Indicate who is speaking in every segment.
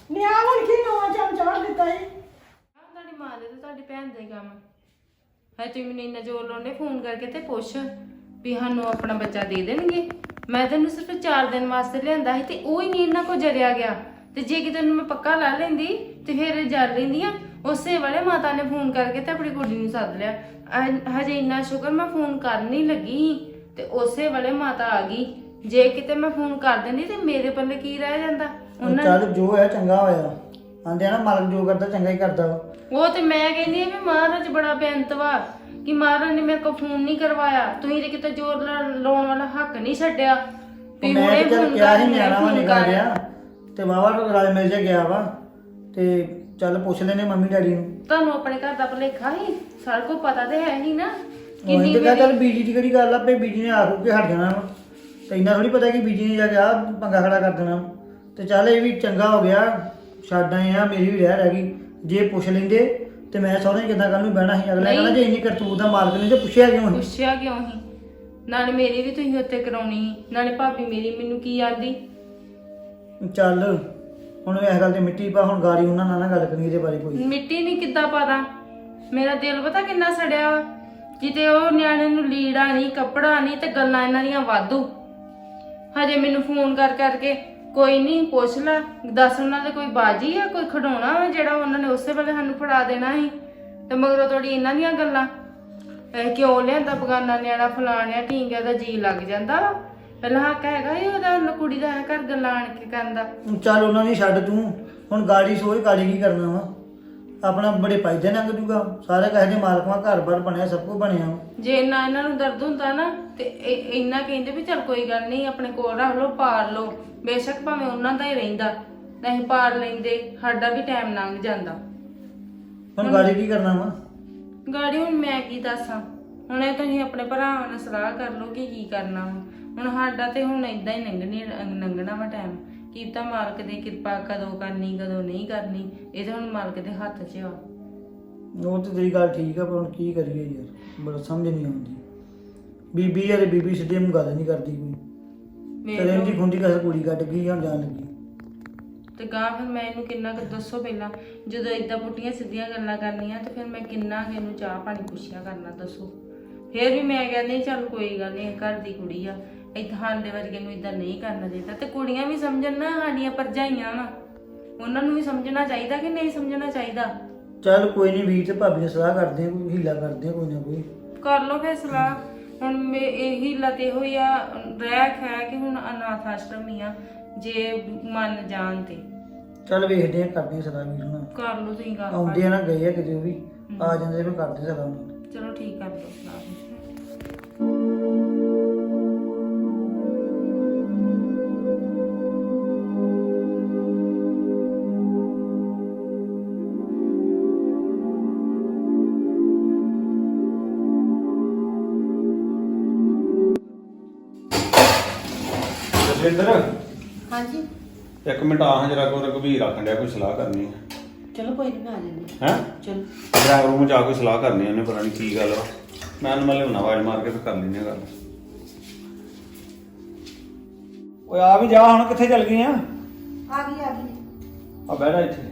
Speaker 1: ਨਿਆ ਹੁਣ ਕੀ ਨਵਾਂ ਚਮਚਾ ਦਿੱਤਾ ਸੀ।
Speaker 2: ਤੁਹਾਡੀ ਮਾਂ ਦੇ ਤੇ ਤੁਹਾਡੀ ਭੈਣ ਦੇ ਕੰਮ ਹੈ। ਤੁਸੀਂ ਮੈਨੂੰ ਇੰਨਾ ਜ਼ੋਰ ਲਾਉਂਦੇ ਫੋਨ ਕਰਕੇ ਤੇ ਪੁੱਛ ਵੀ ਸਾਨੂੰ ਆਪਣਾ ਬੱਚਾ ਦੇ ਦੇਣਗੇ। ਮੈਂ ਤੈਨੂੰ ਸਿਰਫ 4 ਦਿਨ ਵਾਸਤੇ ਲਿਆਂਦਾ ਸੀ ਤੇ ਉਹ ਹੀ ਨਹੀਂ ਇਹਨਾਂ ਕੋ ਜਰਿਆ ਗਿਆ। ਤੇ ਜੇ ਕਿਤੇ ਨੂੰ ਮੈਂ ਪੱਕਾ ਲਾ ਲੈਂਦੀ ਤੇ ਫਿਰ ਜਰ ਲੈਂਦੀਆਂ। ਉਸੇ ਵੇਲੇ ਮਾਤਾ ਨੇ ਫੋਨ ਕਰਕੇ ਤੇ ਆਪਣੀ ਕੁੜੀ ਨੂੰ ਸੱਦ ਲਿਆ। ਹਜੇ ਇੰਨਾ ਸ਼ੁਕਰ ਮੈਂ ਫੋਨ ਕਰਨ ਨਹੀਂ ਲੱਗੀ ਸੀ ਤੇ ਉਸੇ ਵੇਲੇ ਮਾਤਾ ਆ ਗਈ। ਜੇ ਕਿਤੇ ਮੈਂ ਫੋਨ ਕਰ ਦਿੰਦੀ ਤੇ ਮੇਰੇ ਪੱਲੇ ਕੀ ਰਹਿ ਜਾਂਦਾ। ਉਹਨਾਂ
Speaker 1: ਚੱਲ ਜੋ ਹੈ ਚੰਗਾ ਹੋਇਆ। ਆਂਦੇ ਆ ਨਾ ਮਾਲਕ ਜੋ ਕਰਦਾ ਚੰਗਾ ਹੀ ਕਰਦਾ ਵਾ।
Speaker 2: ਉਹ ਤੇ ਮੈਂ ਕਹਿੰਦੀ ਆ ਵੀ ਮਹਾਰਾਜ ਬੜਾ ਬੇਅੰਤ ਵਾ ਕਿ ਮਹਾਰਾਜ ਨੇ ਮੇਰੇ ਕੋਲ ਫੋਨ ਨਹੀਂ ਕਰਵਾਇਆ। ਤੁਸੀਂ ਤੇ ਕਿਤੇ ਜ਼ੋਰ ਲਾਉਣ ਵਾਲਾ ਹੱਕ ਨਹੀਂ ਛੱਡਿਆ ਵੀ
Speaker 1: ਮੈਂ
Speaker 2: ਹੁਣੇ
Speaker 1: ਤੇ ਚੱਲ
Speaker 2: ਫੋਨ
Speaker 1: ਕਿਹਾ
Speaker 2: ਕਰ
Speaker 1: ਸੀ ਨਿਆਣਾ ਵਾ
Speaker 2: ਫੋਨ
Speaker 1: ਨਿਕਲ
Speaker 2: ਕਰ।
Speaker 1: ਗਿਆ ਤੇ ਵਾਵਾ ਰਾਜ ਮਿਲ ਜਾ ਗਿਆ ਵਾ ਤੇ ਚੱਲ ਪੁੱਛ ਲੈਨੇ ਮੰਮੀ ਡੈਡੀ ਨੂੰ।
Speaker 2: ਤੁਹਾਨੂੰ ਆਪਣੇ ਘਰ ਦਾ ਭੁਲੇਖਾ ਹੀ ਸਾਰਾ ਕੁਝ ਪਤਾ ਤੇ ਹੈ ਹੀ ਨਾ।
Speaker 1: ਉਹੀ ਤੇ ਕਿਹਾ ਚੱਲ ਬੀਜੀ ਦੀ ਕਿਹੜੀ ਗੱਲ ਆ ਪਈ ਬੀਜੀ ਨੇ ਆਖੂ ਕੇ ਹਟ ਜਾਣਾ ਵਾ ਤੇ ਇੰਨਾ ਥੋੜੀ ਪਤਾ ਕਿ ਬੀਜੀ ਨੇ ਜਾ ਕੇ ਆ ਪੰਗਾ ਖੜਾ ਕਰ ਦੇਣਾ ਤੇ ਚੱਲ ਇਹ ਵੀ ਚੰਗਾ ਹੋ ਗਿਆ। ਛੱਡ ਆਏ ਆ ਮੇਰੀ ਵੀ ਰਹਿ ਗਈ। ਜੇ ਪੁੱਛ ਲੈਂਦੇ ਤੇ ਮੈਂ ਸਹੁਰੇ ਕਿੱਦਾਂ ਕੱਲ ਨੂੰ ਬਹਿਣਾ ਸੀ। ਅਗਲੇ ਕਹਿੰਦਾ ਜੇ ਇੰਨੀ ਕਰਤੂਤ ਦਾ ਮਾਲਕ ਨਹੀਂ ਤੇ ਪੁੱਛਿਆ ਕਿਉਂ ਨਹੀਂ?
Speaker 2: ਪੁੱਛਿਆ ਕਿਉਂ ਹੀ? ਨਾਲੇ ਮੇਰੀ ਵੀ ਤੁਸੀਂ ਉੱਤੇ ਕਰਾਉਣੀ ਸੀ। ਨਾਲੇ ਭਾਬੀ ਮੇਰੀ ਮੈਨੂੰ ਕੀ ਆਂਦੀ।
Speaker 1: ਚੱਲ ਹੁਣ ਇਸ ਗੱਲ ਤੇ ਮਿੱਟੀ ਪਾ। ਹੁਣ ਗਾੜੀ ਉਹਨਾਂ ਨਾਲ ਨਾ ਗੱਲ ਕਰੀ ਇਹਦੇ ਬਾਰੇ ਕੋਈ।
Speaker 2: ਮਿੱਟੀ ਨਹੀਂ ਕਿੱਦਾਂ ਪਾਦਾ। ਮੇਰਾ ਦਿਲ ਪਤਾ ਕਿੰਨਾ ਸੜਿਆ ਵਾ। ਕਿਤੇ ਉਹ ਨਿਆਣੇ ਨੂੰ ਲੀੜਾ ਨਹੀਂ ਕੱਪੜਾ ਨਹੀਂ ਤੇ ਗੱਲਾਂ ਇਹਨਾਂ ਦੀਆਂ ਵਾਧੂ। ਹਜੇ ਮੈਨੂੰ ਫੋਨ ਕਰ ਕਰਕੇ ਕੋਈ ਨਹੀਂ ਪੁੱਛ ਲੈ ਦੱਸ ਉਹਨਾਂ ਦੇ ਕੋਈ ਬਾਜੀ ਆ ਕੋਈ ਖਿਡੌਣਾ ਵਾ ਜਿਹੜਾ ਉਹਨਾਂ ਨੇ ਉਸੇ ਵੇਲੇ ਸਾਨੂੰ ਫੜਾ ਦੇਣਾ ਸੀ। ਤੇ ਮਗਰੋਂ ਤੁਹਾਡੀ ਇਹਨਾਂ ਦੀਆਂ ਗੱਲਾਂ ਕਿਉਂ ਲਿਆਂਦਾ ਬਗਾਨਾ ਨਿਆਣਾ ਫਲਾਣਿਆ ਢੀਂਗਿਆ ਦਾ ਜੀ ਲੱਗ ਜਾਂਦਾ ਵਾ। ਪਹਿਲਾਂ ਹੱਕ ਹੈਗਾ ਹੀ ਉਹਦਾ ਕੁੜੀ ਦਾ ਘਰ ਗੱਲਾਂ ਆਣ ਕੇ ਕਰਦਾ।
Speaker 1: ਚੱਲ ਉਹਨਾਂ ਨੇ ਛੱਡ ਤੂੰ ਹੁਣ ਗਾੜੀ ਸੋਚ ਗਾੜੀ ਕੀ ਕਰਨਾ ਵਾ। ਆਪਣਾ ਬੜੇ ਪਾਇਦੇ ਲੰਘ ਜੂਗਾ। ਸਾਰੇ ਕਹੇ ਮਾਲਕਾਂ ਘਰ-ਬਾਰ ਬਣਿਆ ਸਭ ਕੁਝ ਬਣਿਆ।
Speaker 2: ਜੇ ਇੰਨਾ ਇਹਨਾਂ ਨੂੰ ਦਰਦ ਹੁੰਦਾ ਨਾ ਤੇ ਇੰਨਾ ਕਹਿੰਦੇ ਵੀ ਚੱਲ ਕੋਈ ਗੱਲ ਨਹੀਂ ਆਪਣੇ ਕੋਲ ਰੱਖ ਲਓ ਪਾਰ ਲਓ। ਬੇਸ਼ੱਕ ਭਾਵੇਂ ਉਹਨਾਂ ਦਾ ਹੀ ਰਹਿੰਦਾ ਨਹੀਂ ਪਾਰ ਲੈਂਦੇ ਸਾਡਾ ਵੀ ਟਾਈਮ ਲੰਘ ਜਾਂਦਾ।
Speaker 1: ਹੁਣ ਗਾੜੀ ਕੀ ਕਰਨਾ ਵਾ?
Speaker 2: ਗਾੜੀ ਹੁਣ ਮੈਂ ਕੀ ਦੱਸਾਂ। ਹੁਣ ਇਹ ਤੁਸੀਂ ਆਪਣੇ ਭਰਾਵਾਂ ਨਾਲ ਸਲਾਹ ਕਰ ਲਓ ਕਿ ਕੀ ਕਰਨਾ ਵਾ। ਹੁਣ ਸਾਡਾ ਤੇ ਹੁਣ ਏਦਾਂ ਹੀ ਲੰਘਣਾ ਵਾ ਟਾਈਮ। ਕੀ ਤਾਂ ਮਾਲਕ ਦੀ ਕਿਰਪਾ ਕਦੋਂ ਕਰਨੀ ਕਦੋਂ ਨਹੀਂ ਕਰਨੀ ਇਹ ਤਾਂ ਹੁਣ ਮਾਲਕ ਦੇ ਹੱਥ 'ਚ ਆ।
Speaker 1: ਉਹ ਤੇ ਤੇਰੀ ਗੱਲ ਠੀਕ ਆ ਪਰ ਹੁਣ ਕੀ ਕਰੀਏ ਯਾਰ ਬੜਾ ਸਮਝ ਨਹੀਂ ਆਉਂਦੀ। ਬੀਬੀ ਯਾਰ ਬੀਬੀ ਸਿੱਧੀ ਨੂੰ ਗੱਲ ਨਹੀਂ ਕਰਦੀ ਕੋਈ। ਕਦੇ ਦੀ ਖੁੰਦੀ ਕਸ ਕੁੜੀ ਕੱਢ ਗਈ ਹੁਣ ਜਾਣ ਲੱਗੀ
Speaker 2: ਤੇ ਗਾਂ ਫਿਰ ਮੈਂ ਇਹਨੂੰ ਕਿੰਨਾ ਕੁ ਦੱਸੋ ਪਹਿਲਾਂ ਜਦੋਂ ਏਦਾਂ ਪੁੱਟੀਆਂ ਸਿੱਧੀਆਂ ਗੱਲਾਂ ਕਰਨੀਆਂ ਤੇ ਫਿਰ ਮੈਂ ਕਿੰਨਾ ਕਿ ਇਹਨੂੰ ਚਾਹ ਪਾਣੀ ਪੁੱਛਿਆ ਕਰਨਾ ਦੱਸੋ। ਫਿਰ ਵੀ ਮੈਂ ਕਹਿੰਦੀ ਚੱਲ ਕੋਈ ਗੱਲ ਨਹੀਂ ਘਰ ਦੀ ਕੁੜੀ ਆ ਇੱਥਾਂ ਦੇ ਵਰਗੇ ਨੂੰ ਇਦਾਂ ਨਹੀਂ ਕਰਨਾ ਚਾਹੀਦਾ। ਤੇ ਕੁੜੀਆਂ ਵੀ ਸਮਝਣ ਨਾ ਸਾਡੀਆਂ ਭਰਜਾਈਆਂ ਵਾ ਉਹਨਾਂ ਨੂੰ ਵੀ ਸਮਝਣਾ ਚਾਹੀਦਾ ਕਿ ਨਹੀਂ ਸਮਝਣਾ ਚਾਹੀਦਾ।
Speaker 1: ਚੱਲ ਕੋਈ ਨਹੀਂ ਵੀਰ ਤੇ ਭਾਬੀ ਨੇ ਸਲਾਹ ਕਰਦੇ ਆ ਕੋਈ ਹੀਲਾ ਕਰਦੇ ਆ ਕੋਈ ਨਾ ਕੋਈ
Speaker 2: ਕਰ ਲਓ ਫਿਰ ਸਲਾਹ। ਹੁਣ ਇਹ ਹੀਲਾ ਤੇ ਹੋਈ ਆ ਰਹਿ ਖੈ ਕਿ ਹੁਣ ਅਨਾਥ ਆਸ਼ਰਮ ਹੀ ਆ ਜੇ ਮੰਨ ਜਾਣ ਤੇ।
Speaker 1: ਚੱਲ ਵੇਖਦੇ ਆ ਕਰਦੇ ਆ ਸਲਾਹ ਵੀਰ ਨਾਲ।
Speaker 2: ਕਰ ਲਓ ਤੁਸੀਂ ਗੱਲ
Speaker 1: ਆਉਂਦੇ ਆ ਨਾ ਗਏ ਆ ਕਿਤੇ ਉਹ ਵੀ ਆ ਜਾਂਦੇ ਫਿਰ ਕਰਦੇ ਸਲਾਹ ਨਾਲ।
Speaker 2: ਚਲੋ ਠੀਕ ਕਰ ਲਓ ਸਲਾਹ।
Speaker 3: ਜਸਵਿੰਦਰ
Speaker 4: ਹਾਂਜੀ
Speaker 3: ਇੱਕ ਮਿੰਟ ਆਹ ਜਰਾ ਕੋ ਰਘਬੀਰ ਆਖਣ ਡਿਆ ਕੋਈ ਸਲਾਹ ਕਰਨੀ ਹੈ।
Speaker 4: ਚਲੋ ਕੋਈ ਨਹੀਂ ਮੈਂ ਆ ਜਾਂਦੀ
Speaker 3: ਹੈ
Speaker 4: ਚਲੋ
Speaker 3: ਡਰਾਈਵਰ ਰੂਮ ਜਾ ਕੇ ਸਲਾਹ ਕਰਨੀ ਉਹਨੇ ਪਤਾ ਨਹੀਂ ਕੀ ਗੱਲ ਵਾ। ਮੈਂ ਉਹਨੂੰ ਮੈਂ ਲਿਆਉਣਾ ਆਵਾਜ਼ ਮਾਰ ਕੇ ਫਿਰ ਕਰ ਲੈਂਦੇ ਆ ਗੱਲ। ਓਏ ਆ ਵੀ ਜਾ ਹੁਣ ਕਿੱਥੇ ਚੱਲ ਗਈ ਆ?
Speaker 4: ਆ ਗਈ
Speaker 3: ਆ ਬਹਿ ਜਾ ਇੱਥੇ।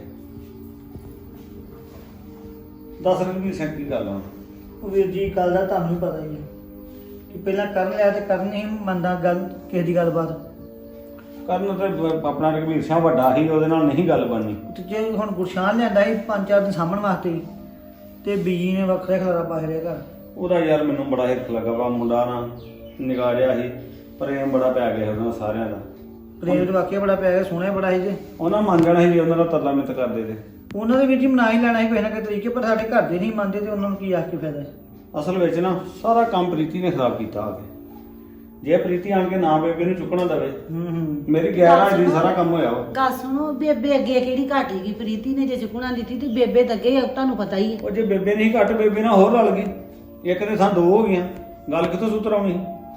Speaker 3: ਦੱਸ ਰਘਬੀਰ ਸਿੰਘ ਕੀ ਗੱਲ ਆ?
Speaker 1: ਉਹ ਵੀਰ ਜੀ ਗੱਲ ਦਾ ਤੁਹਾਨੂੰ ਹੀ ਪਤਾ ਹੀ ਹੈ ਕਿ ਪਹਿਲਾਂ ਕਰ ਲਿਆ ਤੇ ਕਰਨ ਨਹੀਂ ਮੰਨਦਾ ਗੱਲ ਕਿਸੇ ਦੀ ਗੱਲਬਾਤ
Speaker 3: ਕਰਨ ਤੇ ਆਪਣਾ ਰਘਬੀਰ ਸਿੰਘ ਵੱਡਾ ਸੀ ਉਹਦੇ ਨਾਲ ਨਹੀਂ ਗੱਲ ਬਣਨੀ।
Speaker 1: ਤੇ ਜੇ ਹੁਣ ਗੁਰਸ਼ਾਨ ਲਿਆਂਦਾ ਸੀ 5-4 ਦਿਨ ਸਾਂਭਣ ਵਾਸਤੇ ਹੀ, ਤੇ ਬੀਜੀ ਨੇ ਵੱਖਰਾ ਖਲਾਰਾ ਪਾ ਰਿਹਾ ਘਰ।
Speaker 3: ਉਹਦਾ ਯਾਰ ਮੈਨੂੰ ਬੜਾ ਹਿਰਖ ਲੱਗਾ ਵਾ। ਮੁੰਡਾ ਨਾ ਨਿਗਾਹ ਰਿਹਾ ਸੀ ਪ੍ਰੇਮ ਬੜਾ ਪੈ ਗਿਆ ਉਹਨਾਂ ਸਾਰਿਆਂ ਦਾ।
Speaker 1: ਪ੍ਰੇਮ ਤੇ ਵਾਕਿਆ ਬੜਾ ਪਿਆ ਗਿਆ ਸੋਹਣਾ ਬੜਾ ਸੀ ਜੇ
Speaker 3: ਉਹਨਾਂ ਮੰਨ ਜਾਣਾ ਸੀ ਉਹਨਾਂ ਦਾ ਤਰਲਾ ਮਿੱਤ ਕਰਦੇ ਤੇ
Speaker 1: ਉਹਨਾਂ ਦੇ ਵੀਰ ਜੀ ਮਨਾ ਹੀ ਲੈਣਾ ਸੀ ਕਿਸੇ ਨਾ ਕਿਸੇ ਤਰੀਕੇ ਪਰ ਸਾਡੇ ਘਰ ਦੇ ਨਹੀਂ ਮੰਨਦੇ ਤੇ ਉਹਨਾਂ ਨੂੰ ਕੀ ਆਖ ਕੇ ਫਾਇਦਾ।
Speaker 3: ਅਸਲ ਵਿੱਚ ਨਾ ਸਾਰਾ ਕੰਮ ਪ੍ਰੀਤੀ ਨੇ ਖਰਾਬ ਕੀਤਾ ਆ ਕੇ। ਜੇ ਪ੍ਰੀਤੀ ਆਣ ਕੇ ਨਾ ਬੇਬੇ ਨੂੰ ਚੁੱਕਣਾ ਦਵੇ ਮੇਰੀ 11 ਦੀ ਸਾਰਾ ਕੰਮ ਹੋਇਆ ਵਾ।
Speaker 4: ਗੱਲ ਸੁਣੋ ਬੇਬੇ ਅੱਗੇ ਕਿਹੜੀ ਘਟ ਗਈ ਪ੍ਰੀਤੀ ਨੇ ਜੇ ਚੁਕਣਾ ਦਿੱਤੀ ਤੇ ਬੇਬੇ ਤਾਂ ਅੱਗੇ ਤੁਹਾਨੂੰ ਪਤਾ ਹੀ ਹੈ।
Speaker 3: ਉਹ ਜੇ ਬੇਬੇ ਨਹੀਂ ਘੱਟ ਬੇਬੇ ਨਾਲ ਹੋਰ ਰਲ ਗਈ। ਇੱਕ ਦੇ ਥਾਂ 2 ਹੋ ਗਈਆਂ ਗੱਲ ਕਿੱਥੋਂ ਸੂਤਰ ਆਉਣੀ?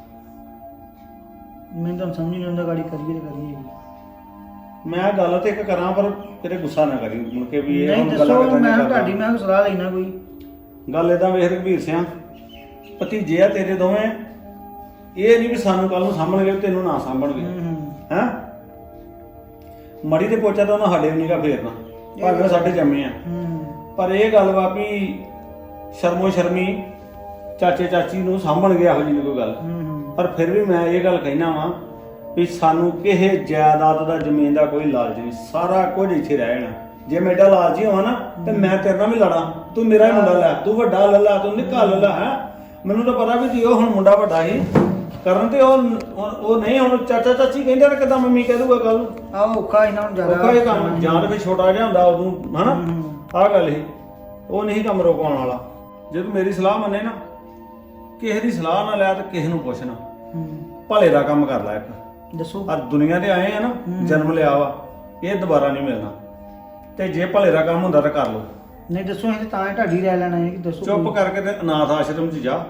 Speaker 1: ਮੈਨੂੰ ਤਾਂ ਸਮਝ ਨਹੀਂ ਆਉਂਦਾ ਗਾੜੀ ਕਰੀਏ ਤੇ ਕਰੀਏ
Speaker 3: ਮੈਂ ਗੱਲ ਤੇ ਇੱਕ ਕਰਾਂ ਪਰ ਤੇਰੇ ਗੁੱਸਾ ਨਾ ਕਰੀ ਮੁੜ ਕੇ ਵੀ ਇਹ
Speaker 1: ਨਹੀਂ
Speaker 3: ਹੁਣ
Speaker 1: ਦੱਸੋ
Speaker 3: ਗੱਲਾਂ
Speaker 1: ਮੈਂ
Speaker 3: ਕਰਦਾ।
Speaker 1: ਤੁਹਾਡੀ ਮੈਂ ਸਲਾਹ ਲੈਣਾ ਕੋਈ
Speaker 3: ਗੱਲ ਏਦਾਂ ਵੇਖ ਰਘਬੀਰ ਸਿੰਘ ਭਤੀਜੇ ਆ ਤੇਰੇ ਦੋਵੇਂ। ਇਹ ਨਹੀਂ ਵੀ ਸਾਨੂੰ ਕੱਲ ਨੂੰ ਸਾਂਭਣਗੇ ਤੈਨੂੰ ਨਾ ਸਾਂਭਣਗੇ। ਹੈਂ ਮੜੀ ਤੇ ਪੋਚਾ ਤਾਂ ਉਹਨਾਂ ਸਾਡੇ ਵੀ ਨਹੀਂਗਾ ਫੇਰਨਾ, ਭਾਵੇਂ ਸਾਡੇ ਜੰਮੇ ਆ। ਪਰ ਇਹ ਗੱਲ ਵਾ ਵੀ ਸ਼ਰਮੋ ਸ਼ਰਮੀ ਚਾਚੇ ਚਾਚੀ ਨੂੰ ਸਾਂਭਣ ਗਿਆ ਇਹੋ ਜਿਹੀ ਕੋਈ ਗੱਲ। ਪਰ ਫਿਰ ਵੀ ਮੈਂ ਇਹ ਗੱਲ ਕਹਿਣਾ ਵਾ ਵੀ ਸਾਨੂੰ ਕਿਸੇ ਜਾਇਦਾਦ ਦਾ ਜ਼ਮੀਨ ਦਾ ਕੋਈ ਲਾਲਚ ਨਹੀਂ, ਸਾਰਾ ਕੁਝ ਇੱਥੇ ਰਹਿ ਜਾਣਾ। ਜੇ ਮੈਂ ਏਡਾ ਲਾਲਚੀ ਹੋਵਾਂ ਨਾ ਤੇ ਮੈਂ ਤੇਰੇ ਨਾਲ ਵੀ ਲੜਾਂ, ਤੂੰ ਮੇਰਾ ਹੀ ਮੁੰਡਾ ਲੈ, ਤੂੰ ਵੱਡਾ ਲੈ ਲਾ, ਤੂੰ ਨਿੱਕਾ ਲੈ ਲਾ। ਹੈ ਮੈਨੂੰ ਤਾਂ ਪਤਾ ਵੀ ਜੀ ਉਹ ਹੁਣ ਮੁੰਡਾ ਵੱਡਾ ਸੀ ਕਰਨ ਤੇ ਉਹ ਨਹੀਂ, ਹੁਣ ਚਾਚਾ ਚਾਚੀ ਕਹਿੰਦੇ ਨੇ ਕਿਦਾਂ ਮੰਮੀ ਕਹਿ ਦੂਗਾ ਕੱਲ ਨੂੰ।
Speaker 1: ਆਹ ਔਖਾ ਇਹਨਾਂ ਨੂੰ ਜ਼ਿਆਦਾ
Speaker 3: ਔਖਾ ਇਹ ਕੰਮ, ਜਾਂ ਤਾਂ ਫਿਰ ਛੋਟਾ ਜਿਹਾ ਹੁੰਦਾ ਉਦੋਂ ਹਨਾ, ਆਹ ਗੱਲ ਸੀ, ਉਹ ਨਹੀਂ ਕੰਮ ਰੋਕਣ ਵਾਲਾ। ਜੇ ਤੂੰ ਮੇਰੀ ਸਲਾਹ ਮੰਨੇ ਨਾ, ਕਿਸੇ ਦੀ ਸਲਾਹ ਨਾ ਲੈ ਤੇ ਕਿਸੇ ਨੂੰ ਪੁੱਛ ਨਾ, ਭਲੇ ਦਾ ਕੰਮ ਕਰ ਲੈ ਇੱਕ।
Speaker 1: ਦੱਸੋ।
Speaker 3: ਆ ਦੁਨੀਆ ਤੇ ਆਏ ਆ ਨਾ, ਜਨਮ ਲਿਆ ਵਾ, ਇਹ ਦੁਬਾਰਾ ਨਹੀਂ ਮਿਲਣਾ, ਤੇ ਜੇ ਭਲੇ ਦਾ ਕੰਮ ਹੁੰਦਾ ਤਾਂ ਕਰ ਲਓ।
Speaker 1: ਨਹੀਂ ਦੱਸੋ, ਇਹ ਤਾਂ ਹੀ ਢਾਡੀ ਰਹਿ ਲੈਣਾ ਹੈ ਕਿ ਦੱਸੋ।
Speaker 3: ਚੁੱਪ ਕਰਕੇ ਤੇ ਅਨਾਥ ਆਸ਼ਰਮ 'ਚ ਜਾ,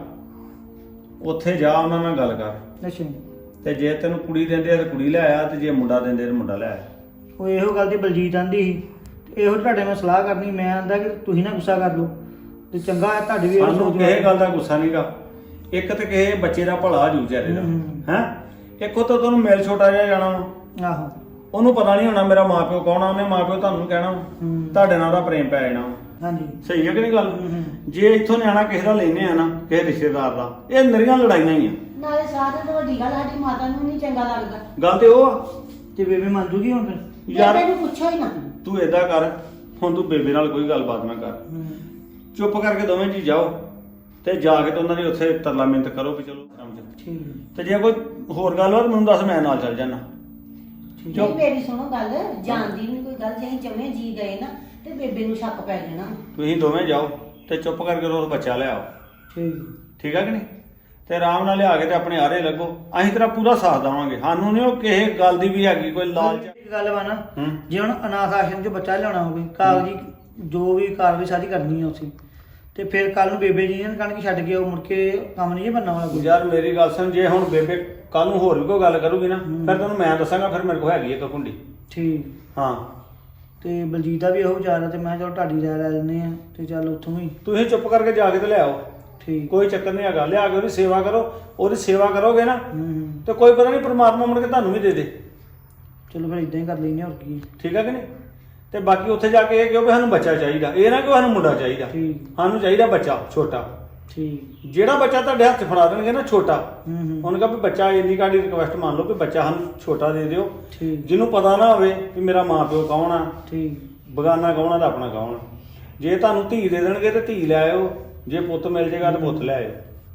Speaker 3: ਉੱਥੇ ਜਾ ਉਹਨਾਂ ਨਾਲ ਗੱਲ ਕਰ।
Speaker 1: ਅੱਛਾ।
Speaker 3: ਤੇ ਜੇ ਤੈਨੂੰ ਕੁੜੀ ਦਿੰਦੇ ਆ ਤੇ ਕੁੜੀ ਲੈ ਆ, ਤੇ ਜੇ ਮੁੰਡਾ ਦਿੰਦੇ ਤੇ ਮੁੰਡਾ ਲੈ ਆ।
Speaker 1: ਉਹ ਇਹੋ ਗੱਲ ਤੇ ਬਲਜੀਤ ਆਂਦੀ ਸੀ, ਇਹੋ ਤੁਹਾਡੇ ਨਾਲ ਸਲਾਹ ਕਰਨੀ। ਮੈਂ ਆਂਦਾ ਕਿ ਤੁਸੀਂ ਨਾ ਗੁੱਸਾ ਕਰ ਲਓ ਤੇ ਚੰਗਾ ਹੈ ਤੁਹਾਡੀ ਵੀ।
Speaker 3: ਸਾਨੂੰ ਕਿਸੇ ਗੱਲ ਦਾ ਗੁੱਸਾ ਨਹੀਂਗਾ, ਇੱਕ ਤੇ ਕਿਸੇ ਬੱਚੇ ਦਾ ਭਲਾ ਜੂ ਚਾਰੇ ਦਾ ਹੈ। ਇੱਕ ਉਹ ਤਾਂ ਤੁਹਾਨੂੰ ਮਿਲ ਛੋਟਾ ਜਿਹਾ ਜਾਣਾ ਵਾ,
Speaker 1: ਆਹੋ
Speaker 3: ਉਹਨੂੰ ਪਤਾ ਨਹੀਂ ਹੋਣਾ ਮੇਰਾ ਮਾਪਿਓ ਕੌਣ ਆ, ਉਹਨੇ ਮਾਪਿਓ ਤੁਹਾਨੂੰ ਕਹਿਣਾ ਤੁਹਾਡੇ ਨਾਲ ਉਹਦਾ ਪ੍ਰੇਮ ਪੈ ਜਾਣਾ।
Speaker 1: ਹਾਂਜੀ
Speaker 3: ਸਹੀ ਹੈ ਕਿ ਨਹੀਂ ਗੱਲ? ਜੇ ਇੱਥੋਂ ਨਿਆਣਾ ਕਿਸੇ ਦਾ ਲੈਨੇ ਆ ਨਾ, ਕਿਸੇ ਰਿਸ਼ਤੇਦਾਰ ਦਾ, ਇਹ ਨਰੀਆਂ ਲੜਾਈਆਂ ਹੀ ਆ।
Speaker 4: ਨਾਲੇ ਸਾਰਿਆਂ ਤੋਂ ਵੱਡੀ ਗੱਲ ਸਾਡੀ ਮਾਤਾ ਨੂੰ ਨਹੀਂ ਚੰਗਾ ਲੱਗਦਾ।
Speaker 3: ਗੱਲ ਤੇ ਉਹ ਆ।
Speaker 1: ਤੇ ਬੇਬੇ ਮੰਨ ਜੂਗੀ ਹੁਣ ਫਿਰ?
Speaker 3: ਯਾਰ
Speaker 4: ਬੇਬੇ ਨੂੰ ਪੁੱਛੋ ਹੀ ਨਾ।
Speaker 3: ਤੂੰ ਏਦਾਂ ਕਰ, ਹੁਣ ਤੂੰ ਬੇਬੇ ਨਾਲ ਕੋਈ ਗੱਲਬਾਤ ਨਾ ਕਰ, ਚੁੱਪ ਕਰਕੇ ਦੋਵੇਂ ਜੀ ਜਾਓ ਤੇ ਜਾ ਕੇ ਤੇ ਉਹਨਾਂ ਦੀ ਉੱਥੇ ਤਰਲਾ ਮਿੰਤ ਕਰੋ ਵੀ ਚਲੋ ਸਮਝ।
Speaker 1: ਠੀਕ
Speaker 3: ਤੇ ਜੇ ਕੋਈ ਹੋਰ ਗੱਲ ਹੋਵੇ ਮੈਨੂੰ ਦੱਸ, ਮੈਂ ਨਾਲ ਚੱਲ ਜਾਣਾ।
Speaker 4: ਨਹੀਂ ਮੇਰੀ ਸੁਣੋ ਗੱਲ, ਜਾਣਦੀ ਨਹੀਂ ਕੋਈ ਗੱਲ। ਜੇ ਅਸੀਂ ਚਵੇਂ ਜੀ ਗਏ ਨਾ ਤੇ ਬੇਬੇ ਨੂੰ ਸ਼ੱਕ ਪੈ ਜਾਣਾ।
Speaker 3: ਤੁਸੀਂ ਦੋਵੇਂ ਜਾਓ ਤੇ ਚੁੱਪ ਕਰਕੇ ਰੋਜ਼ ਬੱਚਾ ਲਿਆਓ।
Speaker 1: ਠੀਕ
Speaker 3: ਠੀਕ ਆ ਕਿ ਨਹੀਂ? ਤੇ ਆਰਾਮ ਨਾਲ ਲਿਆ ਕੇ ਤੇ ਆਪਣੇ ਆਰੇ ਲੱਗੋ, ਅਸੀਂ ਤੇਰਾ ਪੂਰਾ ਸਾਥ ਦੇਵਾਂਗੇ। ਸਾਨੂੰ ਨਹੀਂ ਉਹ ਕਿਸੇ ਗੱਲ ਦੀ ਵੀ ਹੈਗੀ ਕੋਈ ਲਾਲਚ।
Speaker 1: ਇੱਕ ਗੱਲ ਵਾ ਨਾ, ਜੇ ਹੁਣ ਅਨਾਥ ਆਸ਼ਰਮ 'ਚ ਬੱਚਾ ਲਿਆਉਣਾ ਹੋਵੇ, ਕਾਗਜ਼ੀ ਜੋ ਵੀ ਕਾਰਵਾਈ ਸਾਰੀ ਕਰਨੀ ਹੈ ਉੱਥੇ, ਤੇ ਫਿਰ ਕੱਲ ਨੂੰ ਬੇਬੇ ਜੀ ਨੇ ਕਹਿਣ ਕਿ ਛੱਡ ਕੇ ਉਹ ਮੁੜ ਕੇ ਕੰਮ ਨਹੀਂ ਬਣਨਾ ਵਾਲਾ ਕੋਈ।
Speaker 3: ਯਾਰ ਮੇਰੀ ਗੱਲ ਸੁਣ, ਜੇ ਹੁਣ ਬੇਬੇ ਕੱਲ ਨੂੰ ਹੋਰ ਵੀ ਕੋਈ ਗੱਲ ਕਰੂਗੀ ਨਾ, ਫਿਰ ਤੈਨੂੰ ਮੈਂ ਦੱਸਾਂਗਾ, ਫਿਰ ਮੇਰੇ ਕੋਲ ਹੈਗੀ ਇੱਕ ਕੁੰਡੀ।
Speaker 1: ਠੀਕ।
Speaker 3: ਹਾਂ
Speaker 1: ਤੇ ਬਲਜੀਤ ਦਾ ਵੀ ਇਹੋ ਵਿਚਾਰ ਆ, ਤੇ ਮੈਂ ਚਲ ਢਾਡੀ ਲੈ ਲੈਂਦੇ ਆ ਤੇ ਚੱਲ ਉੱਥੋਂ ਵੀ।
Speaker 3: ਤੁਸੀਂ ਚੁੱਪ ਕਰਕੇ ਜਾ ਕੇ ਤੇ ਲਿਆਓ,
Speaker 1: ਠੀਕ।
Speaker 3: ਕੋਈ ਚੱਕਰ ਨਹੀਂ ਹੈਗਾ। ਲਿਆ ਕੇ ਉਹਦੀ ਸੇਵਾ ਕਰੋ, ਉਹਦੀ ਸੇਵਾ ਕਰੋਗੇ ਨਾ ਤੇ ਕੋਈ ਪਤਾ ਨਹੀਂ ਪਰਮਾਤਮਾ ਮੁੜ ਕੇ ਤੁਹਾਨੂੰ ਵੀ ਦੇ ਦੇ।
Speaker 1: ਚਲੋ ਫਿਰ ਇਦਾਂ ਹੀ ਕਰ ਲੈਂਦੇ ਹੋਰ ਕੀ।
Speaker 3: ਠੀਕ ਹੈ ਕਿ ਨਹੀਂ? ਤੇ ਬਾਕੀ ਉੱਥੇ ਜਾ ਕੇ ਇਹ ਕਿਉਂ ਵੀ ਸਾਨੂੰ ਬੱਚਾ ਚਾਹੀਦਾ, ਇਹ ਨਾ ਕਿ ਸਾਨੂੰ ਮੁੰਡਾ ਚਾਹੀਦਾ।
Speaker 1: ਠੀਕ।
Speaker 3: ਸਾਨੂੰ ਚਾਹੀਦਾ ਬੱਚਾ ਛੋਟਾ।
Speaker 1: ਠੀਕ।
Speaker 3: ਜਿਹੜਾ ਬੱਚਾ ਤੁਹਾਡੇ ਹੱਥ 'ਚ ਫੜਾ ਦੇਣਗੇ ਨਾ ਛੋਟਾ, ਉਹਨੇ ਕਹਾ ਵੀ ਬੱਚਾ, ਇੰਨੀ ਕਾਡੀ ਰਿਕੁਐਸਟ ਮੰਨ ਲਓ ਵੀ ਬੱਚਾ ਸਾਨੂੰ ਛੋਟਾ ਦੇ ਦਿਓ,
Speaker 1: ਠੀਕ।
Speaker 3: ਜਿਹਨੂੰ ਪਤਾ ਨਾ ਹੋਵੇ ਵੀ ਮੇਰਾ ਮਾਂ ਪਿਓ ਕੌਣ ਆ,
Speaker 1: ਠੀਕ।
Speaker 3: ਬਗਾਨਾ ਕੌਣ ਆ ਤੇ ਆਪਣਾ ਕੌਣ ਆ। ਜੇ ਤੁਹਾਨੂੰ ਧੀ ਦੇ ਦੇਣਗੇ ਤੇ ਧੀ ਲੈ ਆਇਓ, ਜੇ ਪੁੱਤ ਮਿਲ ਜੇਗਾ ਤੇ ਪੁੱਤ ਲੈ ਆਇਓ।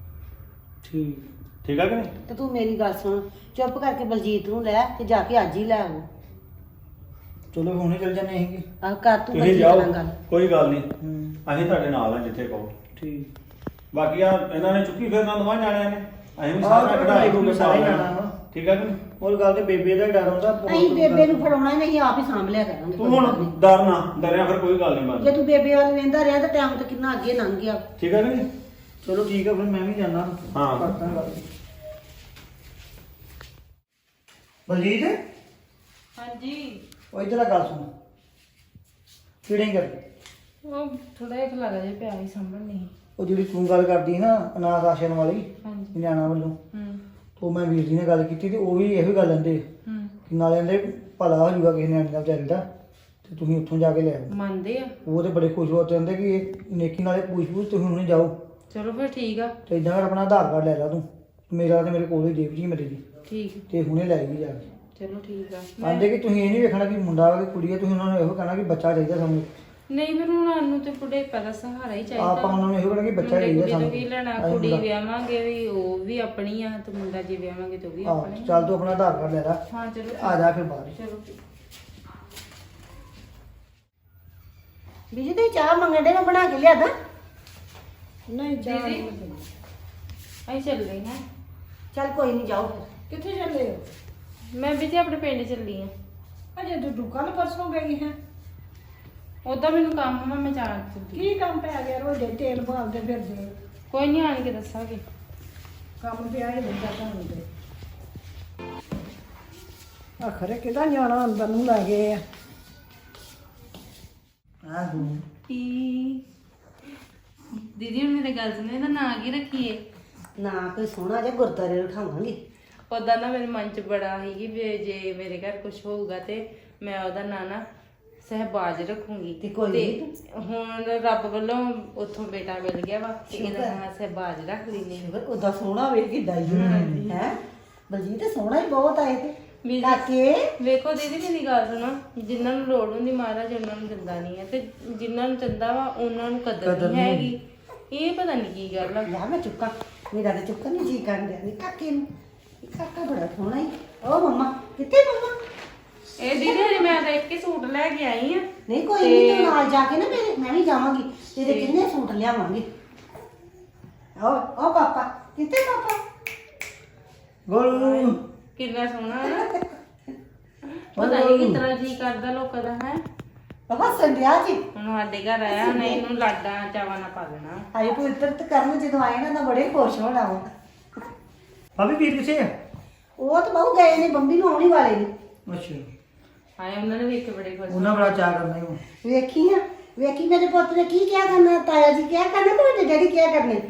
Speaker 1: ਠੀਕ।
Speaker 3: ਠੀਕ ਆ ਕਿ ਨਹੀਂ?
Speaker 4: ਤੇ ਤੂੰ ਮੇਰੀ ਗੱਲ ਸੁਣ, ਚੁੱਪ ਕਰਕੇ ਬਲਜੀਤ ਨੂੰ ਲੈ ਤੇ ਜਾ ਕੇ ਅੱਜ ਹੀ ਲੈ ਆਓ।
Speaker 1: ਚਲੋ ਹੁਣੇ ਚੱਲ ਜਾਂਦੇ ਅਸੀਂ ਕਿ।
Speaker 4: ਆਹ ਕਰ ਤੂੰ
Speaker 3: ਤੁਸੀਂ
Speaker 4: ਬਲਜੀਤ
Speaker 3: ਜਾਓ,
Speaker 4: ਨਾਲ ਗੱਲ।
Speaker 3: ਕੋਈ ਗੱਲ ਨਹੀਂ, ਅਸੀਂ ਤੁਹਾਡੇ ਨਾਲ ਆ ਜਿੱਥੇ ਕਹੋ।
Speaker 1: ਠੀਕ।
Speaker 3: ਬਾਕੀ ਆ ਇਹਨਾਂ ਨੇ ਚੁੱਕੀ ਫਿਰਨਾ ਦੋਵਾਂ ਜਾਣਿਆਂ ਨੇ, ਅਸੀਂ ਵੀ
Speaker 1: ਆਹ
Speaker 3: ਸਾਰਾ ਕਢਾਈ
Speaker 1: ਕਢਾਈ
Speaker 3: ਦੂਗੇ
Speaker 1: ਸਾਰੇ
Speaker 3: ਸਾਰੇ
Speaker 1: ਜਾਣਾ ਵਾ।
Speaker 3: ਠੀਕ ਆ ਕਿ ਨਹੀਂ?
Speaker 1: ਹੋਰ ਗੱਲ ਤੇ ਬੇਬੇ ਦਾ ਹੀ ਡਰ ਹੁੰਦਾ ਬਹੁਤ।
Speaker 4: ਅਸੀਂ ਬੇਬੇ ਨੂੰ ਫੜਾਉਣਾ ਨਹੀਂ, ਆਪ ਹੀ ਸਾਂਭ ਲਿਆ ਕਰਾਂਗੇ।
Speaker 3: ਤੂੰ ਹੁਣ ਡਰ ਨਾ, ਡਰਿਆ ਫਿਰ ਕੋਈ ਗੱਲ ਨਹੀਂ
Speaker 4: ਜੇ
Speaker 3: ਬਣਦੀ।
Speaker 4: ਤੂੰ ਬੇਬੇ ਵੱਲ ਵੇਂਦਾ ਰਿਹਾ ਤਾਂ ਟਾਈਮ ਤਾਂ ਕਿੰਨਾ ਅੱਗੇ ਲੰਘ ਗਿਆ।
Speaker 3: ਠੀਕ ਆ ਕਿ ਨਹੀਂ?
Speaker 1: ਚਲੋ ਠੀਕ ਆ, ਫਿਰ ਮੈਂ ਵੀ ਜਾਣਾ।
Speaker 3: ਹਾਂ।
Speaker 1: ਕਰਦਾ ਗੱਲ। ਬਲਜੀਤ
Speaker 2: ਹਾਂਜੀ।
Speaker 1: ਉਹ ਇੱਧਰ ਆ ਗੱਲ ਸੁਣ। ਕਿਹੜੇ ਕਰ
Speaker 2: ਉਹ ਥੋੜਾ ਜਿਹਾ ਖਲਾਰਾ ਜਿਹਾ ਪਿਆ ਸੀ, ਸਾਂਭਣ ਨਹੀਂ।
Speaker 1: ਉਹ ਜਿਹੜੀ ਤੂੰ ਗੱਲ ਕਰਦੀ ਨਾ ਅਨਾਥ ਆਸ਼ਰਮ ਵਾਲੀ
Speaker 2: ਹਾਂਜੀ।
Speaker 1: ਨਿਆਣਾ ਵੱਲੋਂ, ਉਹ ਮੈਂ ਵੀਰ ਜੀ ਨਾਲ ਗੱਲ ਕੀਤੀ ਤੇ ਉਹ ਵੀ ਇਹੋ ਗੱਲ ਕਹਿੰਦੇ ਕਿ ਨਾਲੇ ਕਹਿੰਦੇ ਭਲਾ ਹੋ ਜਾਊਗਾ ਕਿਸੇ ਨਿਆਣੇ ਦਾ ਵਿਚਾਰੇ ਦਾ, ਤੇ ਤੁਸੀਂ ਉੱਥੋਂ ਜਾ ਕੇ ਲੈ ਆਓ।
Speaker 2: ਮੰਨਦੇ ਆ।
Speaker 1: ਉਹ ਤੇ ਬੜੇ ਖੁਸ਼ ਹੋ ਜਾਂਦੇ ਕਿ ਇਹ ਨੇਕੀ ਨਾਲੇ ਪੁੱਛ ਤੁਸੀਂ ਹੁਣੇ ਜਾਓ।
Speaker 2: ਚਲੋ ਫਿਰ ਠੀਕ ਆ।
Speaker 1: ਤੇ ਇਦਾਂ ਕਰ ਆਪਣਾ ਆਧਾਰ ਕਾਰਡ ਲੈ ਲਾ ਤੂੰ, ਮੇਰਾ ਤੇ ਮੇਰੇ ਕੋਲ ਹੀ ਦੇਵ ਜੀ ਮੇਰੇ ਦੀ,
Speaker 2: ਠੀਕ।
Speaker 1: ਤੇ ਹੁਣੇ ਲੈ ਗਈ ਜਾ ਕੇ।
Speaker 2: ਚਲੋ ਠੀਕ ਆ।
Speaker 1: ਆਂਦੇ ਕਿ ਤੁਸੀਂ ਇਹ ਨਹੀਂ ਵੇਖਣਾ ਕਿ ਮੁੰਡਾ ਵਾ ਕਿ ਕੁੜੀ ਹੈ, ਤੁਸੀਂ ਉਹਨਾਂ ਨੂੰ ਇਹੋ ਕਹਿਣਾ ਕਿ ਬੱਚਾ ਚਾਹੀਦਾ ਸਾਨੂੰ।
Speaker 2: ਨਹੀਂ ਫਿਰ ਹੁਣ ਸਾਨੂੰ ਤੇ ਬੁਢੇਪਾ ਦਾ ਸਹਾਰਾ ਹੀ ਚਾਹੀਦਾ।
Speaker 1: ਆਪਾਂ ਉਹਨਾਂ ਨੂੰ ਇਹੋ ਕਹਿਣਾ ਕਿ ਬੱਚਾ ਚਾਹੀਦਾ
Speaker 2: ਕੁੜੀ ਤੋਂ
Speaker 1: ਸਾਨੂੰ।
Speaker 2: ਕੀ ਲੈਣਾ, ਕੁੜੀ ਵਿਆਹਾਂਗੇ ਵੀ ਉਹ ਵੀ ਆਪਣੀ ਆ, ਤੇ ਮੁੰਡਾ ਜੇ ਵਿਆਹਾਂਗੇ ਤੇ ਉਹ ਵੀ ਆਪਣਾ ਹੀ ਆ।
Speaker 1: ਚੱਲ ਤੂੰ ਆਪਣਾ ਆਧਾਰ ਕਾਰਡ ਲੈ ਲਾ,
Speaker 2: ਹਾਂ ਚਲੋ
Speaker 1: ਆ ਜਾ ਫਿਰ ਬਾਹਰ।
Speaker 2: ਚਲੋ।
Speaker 4: ਬੀਜੀ ਤੇ ਚਾਹ ਮੰਗਣ ਦੇ ਨਾ, ਬਣਾ ਕੇ ਲਿਆਦਾ।
Speaker 2: ਨਹੀਂ ਦੀਦੀ ਅਸੀਂ ਚੱਲ ਗਏ ਹਾਂ।
Speaker 4: ਚੱਲ ਕੋਈ ਨਹੀਂ, ਜਾਓ ਫਿਰ।
Speaker 5: ਕਿੱਥੇ ਚੱਲੇ ਹੋ?
Speaker 2: ਮੈਂ ਵੀ ਜੀ ਆਪਣੇ ਪਿੰਡ ਚੱਲੀ ਆ।
Speaker 5: ਅਜੇ ਤੂੰ ਕੱਲ ਪਰਸੋਂ ਗਈ ਹੈ।
Speaker 2: ਉਦਾਂ ਮੈਨੂੰ ਕੰਮ ਆ, ਮੈਂ ਜਾਣ ਚੱਲੀ।
Speaker 5: ਕੀ ਕੰਮ ਪੈ ਗਿਆ? ਰੋਜ਼ ਤੇਲ ਭਾਲਦੇ ਫਿਰਦੇ।
Speaker 2: ਕੋਈ ਨਹੀਂ, ਆਣ ਕੇ ਦੱਸਾਂਗੇ।
Speaker 5: ਕੰਮ ਪਿਆ ਹੀ ਹੁੰਦਾ ਤੁਹਾਨੂੰ ਤੇ। ਆਖਰੇ ਕਿਹਦਾ ਨਿਆਣਾ ਅੰਦਰ ਨੂੰ ਲੈ ਗਏ ਆ।
Speaker 1: ਹਾਂ ਤੂੰ
Speaker 2: ਦੀਦੀ ਹੁਣ ਮੇਰੀ ਗੱਲ ਸੁਣੋ, ਇਹਦਾ ਨਾਂ ਕੀ ਰੱਖੀਏ?
Speaker 4: ਨਾ ਕੋਈ ਸੋਹਣਾ ਜਿਹਾ ਗੁਰਦਾਰੇ ਉਠਾਵਾਂਗੇ।
Speaker 2: ਉਦਾਂ ਨਾ ਮੇਰੇ ਮਨ 'ਚ ਬੜਾ ਸੀ ਕਿ ਵੀ ਜੇ ਮੇਰੇ ਘਰ ਕੁਝ ਹੋਊਗਾ ਤੇ ਮੈਂ ਉਹਦਾ ਨਾਂ ਨਾ ਸਹਿਬਾਜ ਰੱਖੂੰਗੀ।
Speaker 4: ਤੇ ਕੋਈ ਨੀ।
Speaker 2: ਹੁਣ ਰੱਬ ਵੱਲੋਂ ਉੱਥੋਂ ਬੇਟਾ ਮਿਲ ਗਿਆ ਵਾ ਤੇ ਇਹਦਾ ਨਾਂ ਸਹਿਬਾਜ ਰੱਖ ਲੈਨੇ।
Speaker 4: ਉਹਦਾ ਸੋਹਣਾ ਵੇਖ ਕਿੱਦਾਂ ਹੀ ਹੈ ਬਲਜੀਤ ਸੋਹਣਾ ਹੀ ਬਹੁਤ ਆਏ ਤੇ
Speaker 2: ਵੀ
Speaker 4: ਕਾਕੇ
Speaker 2: ਵੇਖੋ ਦੀਦੀ ਮੇਰੀ ਗੱਲ ਸੁਣੋ, ਜਿਨ੍ਹਾਂ ਨੂੰ ਲੋੜ ਹੁੰਦੀ ਮਹਾਰਾਜ ਉਹਨਾਂ ਨੂੰ ਦਿੰਦਾ ਨਹੀਂ ਹੈ ਤੇ ਜਿਨ੍ਹਾਂ ਨੂੰ ਦਿੰਦਾ ਵਾ ਉਹਨਾਂ ਨੂੰ ਕਦਰ ਨਹੀਂ ਹੈਗੀ। ਇਹ ਪਤਾ ਨਹੀਂ ਕੀ ਗੱਲ ਆ।
Speaker 4: ਯਾ ਮੈਂ ਚੁੱਕਾਂ ਮੇਰਾ ਤਾਂ ਚੁੱਕਣ ਨਹੀਂ ਜੀ ਕਰਨ ਡਿਆ ਨੀ ਕਾਕੇ ਨੂੰ ਇਹ ਕਾਕਾ ਬੜਾ ਸੋਹਣਾ ਹੀ ਓ ਮੰਮਾ ਕਿੱਥੇ ਮੰਮਾ
Speaker 2: ਇਹ ਦੀਦੀ ਹਜੇ ਮੈਂ ਤਾਂ ਇੱਕ ਹੀ ਸੂਟ ਲੈ ਕੇ ਆਈ ਆ।
Speaker 4: ਨਹੀਂ ਕੋਈ ਨਹੀਂ ਤੂੰ ਨਾਲ ਜਾ ਕੇ ਨਾ ਮੇਰੇ ਮੈਂ ਵੀ ਜਾਵਾਂਗੀ ਤੇਰੇ ਕਿੰਨੇ ਸੂਟ ਲਿਆਵਾਂਗੇ ਓ ਪਾਪਾ ਕਿੱਥੇ ਪਾਪਾ
Speaker 1: ਗੋਲੂ
Speaker 2: ਕਿੰਨਾ ਸੋਹਣਾ ਨਾ ਪਤਾ ਨਹੀਂ ਕਿਤਨਾ ਜੀ ਕਰਦਾ ਲੋਕਾਂ ਦਾ ਹੈ।
Speaker 4: ਪਾਪਾ ਸੰਧਿਆ ਜੀ
Speaker 2: ਹੁਣ ਸਾਡੇ ਘਰ ਆਇਆ ਉਹਨੇ ਇਹਨੂੰ ਲਾਡਾ ਚਾਵਾ ਨਾ ਪਾ ਦੇਣਾ।
Speaker 4: ਆਏ ਪਵਿੱਤਰ ਤੇ ਕਰਨ ਜਦੋਂ ਆਏ ਨਾ ਤਾਂ ਬੜੇ ਖੁਸ਼ ਹੋਣਾ ਵਾ
Speaker 1: ਭਾਬੀ ਵੀਰ ਕਿੱਥੇ ਆ?
Speaker 4: ਉਹ ਤਾਂ ਬਹੁ ਗਏ ਨੇ ਬੰਬੀ ਨੂੰ ਆਉਣੀ ਵਾਲੇ ਨੇ
Speaker 1: ਅੱਛਾ
Speaker 2: ਆਏ ਉਹਨਾਂ ਨੇ ਵੇਖ ਕੇ ਬੜੇ ਖੁਸ਼।
Speaker 1: ਉਹਨਾਂ ਬੜਾ ਚਾਹ ਕਰਨਾ ਹੀ ਉਹ।
Speaker 4: ਵੇਖੀ ਆ ਵੇਖੀ ਮੇਰੇ ਪੁੱਤ ਨੇ ਕੀ ਕਿਹਾ ਕਰਨਾ ਤਾਇਆ ਜੀ ਕਿਹਾ ਕਰਨਾ ਤੇ ਵੱਡੇ ਡੈਡੀ ਕਿਹਾ ਕਰਨੇ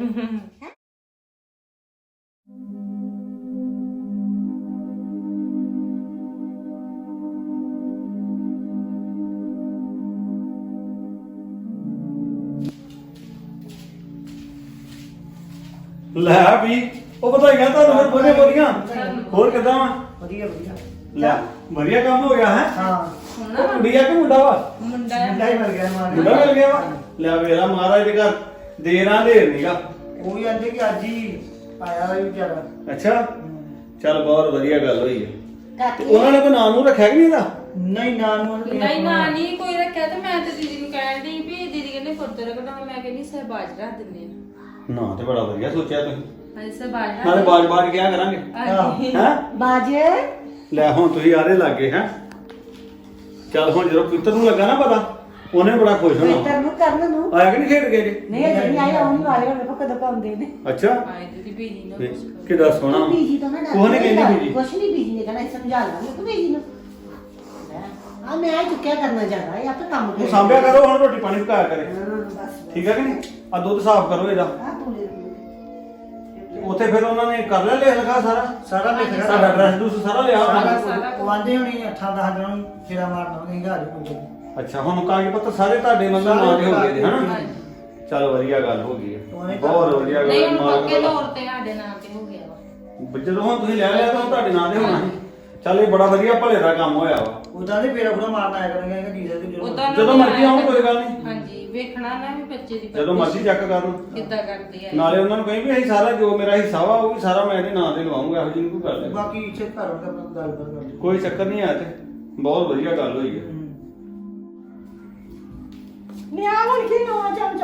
Speaker 3: ਲੈ ਵੀ ਉਹ ਵਧਾਈਆਂ ਤੁਹਾਨੂੰ ਫਿਰ ਬੋਲੇ ਬੋਲੀਆਂ। ਹੋਰ ਕਿਦਾਂ ਵਾ?
Speaker 1: ਵਧੀਆ ਵਧੀਆ
Speaker 3: ਲੈ ਵਧੀਆ ਕੰਮ ਹੋ ਗਿਆ ਹੈ।
Speaker 1: ਹਾਂ
Speaker 3: ਉਹ ਕੁੜੀ ਆ ਕਿ ਮੁੰਡਾ ਵਾ?
Speaker 2: ਮੁੰਡਾ ਹੈ।
Speaker 1: ਮੁੰਡਾ ਹੀ ਮਿਲ ਗਿਆ ਮਾਰ
Speaker 3: ਮੁੰਡਾ ਮਿਲ ਗਿਆ ਵਾ। ਲੈ ਵੇਲਾ ਮਹਾਰਾਜ ਦੇ ਘਰ ਦੇਰਾਂ ਢੇਰ ਨੀਗਾ।
Speaker 1: ਉਹ ਵੀ ਆਂਦੇ ਕਿ ਅੱਜ ਹੀ ਆਇਆ ਵਾ ਵਿਚਾਰਾ।
Speaker 3: ਅੱਛਾ ਚੱਲ ਬਹੁਤ ਵਧੀਆ ਗੱਲ ਹੋਈ ਹੈ। ਤੇ
Speaker 4: ਕਾਕੇ
Speaker 3: ਉਹਨਾਂ ਨੇ ਕੋਈ ਨਾਮ ਨੂੰ ਰੱਖਿਆ ਕਿ ਨਹੀਂ ਇਹਦਾ?
Speaker 1: ਨਹੀਂ ਨਾ ਨੂੰ ਉਹਨੇ
Speaker 2: ਨਹੀਂ ਨਾ ਨਹੀਂ ਕੋਈ ਰੱਖਿਆ ਤੇ ਮੈਂ ਤੇ ਦੀਦੀ ਨੂੰ ਕਹਿਣ ਡਈ ਵੀ ਦੀਦੀ ਕਹਿੰਦੇ ਫੁਰਤ ਰੱਖਣਾ ਮੈਂ ਕਹਿੰਦੀ ਸਹਿਬਾਜ ਰੱਖ ਦਿੰਦੇ ਆ।
Speaker 3: ਨਾ ਤੇ ਬੜਾ ਵਧੀਆ ਸੋਚਿਆ ਤੁਸੀਂ।
Speaker 2: ਹਾਂਜੀ ਸਹਿਬਾਜ ਰੱਖ
Speaker 3: ਨਾਲੇ ਬਾਜ-ਬਾਜ ਕਿਹਾ ਕਰਾਂਗੇ
Speaker 2: ਹਾਂਜੀ।
Speaker 3: ਹੈ।
Speaker 4: ਬਾਜੇ
Speaker 3: ਲੈ ਹੁਣ ਤੁਸੀਂ ਆਰੇ ਲੱਗੇ ਹੈ। ਚੱਲ ਹੁਣ ਜਦੋਂ ਪੁੱਤਰ ਨੂੰ ਲੱਗਾ ਨਾ ਪਤਾ ਉਹਨੇ ਬੜਾ ਖੁਸ਼ ਹੋਣਾ।
Speaker 4: ਪਵਿੱਤਰ ਨੂੰ ਕਰਨ ਨੂੰ
Speaker 3: ਆਇਆ ਕਿ ਨਹੀਂ ਖੇਡ ਕੇ ਜੀ?
Speaker 4: ਨਹੀਂ ਅਜੇ ਨਹੀਂ ਆਏ ਆਉਣੀ ਵਾਲੇ ਹੁਣ ਵੇਖੋ ਕਦੋਂ ਪਾਉਂਦੇ ਨੇ
Speaker 3: ਅੱਛਾ
Speaker 2: ਆਏ ਦੀਦੀ ਬੀਜੀ ਨੂੰ ਕੁਛ ਕਰੋ।
Speaker 3: ਕਿੱਡਾ ਸੋਹਣਾ
Speaker 4: ਬੀਜੀ ਤੋਂ ਨਾ
Speaker 3: ਕੋਹ ਨੇ ਕਹਿੰਦੀ ਬੀਜੀ?
Speaker 4: ਕੁਛ ਨਹੀਂ ਬੀਜੀ ਨੇ ਕਹਿਣਾ ਸਮਝਾ ਲਾਂਗੇ ਤੂੰ ਬੀਜੀ ਨੂੰ ਆ ਮੈਂ ਆ ਚੁੱਕਿਆ ਕਰਨਾ ਜ਼ਿਆਦਾ ਇਹ ਆਪੇ ਕੰਮ
Speaker 3: ਤੂੰ ਸਾਂਭਿਆ ਕਰੋ ਹੁਣ ਰੋਟੀ ਪਾਣੀ ਪਕਾਇਆ ਕਰੇ।
Speaker 4: ਬਸ
Speaker 3: ਠੀਕ ਹੈ ਕਿ ਨਹੀਂ? ਆ ਦੁੱਧ ਸਾਫ਼ ਕਰੋ ਇਹਦਾ।
Speaker 4: ਆ ਤੂੰ ਲੈ
Speaker 3: ਉੱਥੇ ਫਿਰ ਉਹਨਾਂ ਨੇ ਕਰ ਲਿਆ ਲਿਖ ਲਿਖਾ ਸਾਰਾ
Speaker 1: ਸਾਰਾ ਲਿਖ ਰਿਹਾ
Speaker 3: ਸਾਡਾ ਐਡਰੈਸ ਦੂਸ ਸਾਰਾ ਲਿਆ ਹੋਣਾ।
Speaker 1: ਉਹ ਆਂਦੇ ਹੋਣੀ 8-10 ਦਿਨਾਂ ਨੂੰ ਫੇਰਾ ਮਾਰਨਾ ਉਹਨੇ ਘਰ ਕੋਈ।
Speaker 3: ਅੱਛਾ ਹੁਣ ਕਾਗਜ਼ ਪੱਤਰ ਸਾਰੇ ਤੁਹਾਡੇ ਮਤਲਬ ਨਾਂ ਦੇ ਹੋ ਗਏ ਨੇ ਹਨਾ? ਚਲ ਵਧੀਆ ਗੱਲ ਹੋ ਗਈ ਹੈ। ਬਹੁਤ ਵਧੀਆ
Speaker 2: ਨਹੀਂ
Speaker 3: ਗੱਲ
Speaker 2: ਹੁਣ ਪੱਕੇ
Speaker 3: ਮਾਲਕ
Speaker 2: ਤੌਰ ਤੇ ਸਾਡੇ ਨਾਂ ਤੇ ਹੋ ਗਿਆ ਵਾ।
Speaker 3: ਜਦੋਂ ਹੁਣ ਤੁਸੀਂ ਲੈ ਲਿਆ ਤਾਂ ਤੁਹਾਡੇ ਨਾਂ ਦੇ ਹੋਣਾ ਸੀ। ਚੱਲ ਇਹ ਬੜਾ ਵਧੀਆ ਭਲੇ ਦਾ ਕੰਮ ਹੋਇਆ ਵਾ।
Speaker 1: ਉਦਾਂ ਦੇ ਫੇਰਾ ਪੂਰਾ ਮਾਰਨਾ ਆਇਆ ਕਰਾਂਗੇ ਕਿ ਜੀਜਾ ਤੇ
Speaker 2: ਉਦਾਂ
Speaker 3: ਜਦੋਂ ਮਰਜ਼ੀ ਆਉਣ ਕੋਈ ਗੱਲ ਨਹੀਂ।
Speaker 2: ਹਾਂਜੀ ਵੇਖਣਾ ਨਾ ਵੀ ਬੱਚੇ ਦੀ
Speaker 3: ਜਦੋਂ ਮਰਜ਼ੀ ਚੈੱਕ ਕਰਨ।
Speaker 2: ਕਿੱਦਾਂ ਕਰਦੇ ਆ।
Speaker 3: ਨਾਲੇ ਉਹਨਾਂ ਨੂੰ ਕਹੀਂ ਵੀ ਅਸੀਂ ਸਾਰਾ ਜੋ ਮੇਰਾ ਹਿੱਸਾ ਵਾ ਉਹ ਵੀ ਸਾਰਾ ਮੈਂ ਇਹਦੇ ਨਾਂ ਤੇ ਲਵਾਉਂਗਾ। ਇਹੋ ਜਿਹੀ ਕੋਈ ਗੱਲ ਨਹੀਂ।
Speaker 1: ਬਾਕੀ ਇੱਥੇ ਘਰ ਵਾਲਾ ਆਪਣਾ ਗੱਲਬਾਤ ਕਰ ਲਈ।
Speaker 3: ਕੋਈ ਚੱਕਰ ਨਹੀਂ ਆਇਆ ਤੇ ਬਹੁਤ ਵਧੀਆ ਗੱਲ ਹੋਈ ਹੈ।
Speaker 5: ਨਿਆ ਹੁਣ ਕੀ ਨਵਾਂ ਚਮਚਾ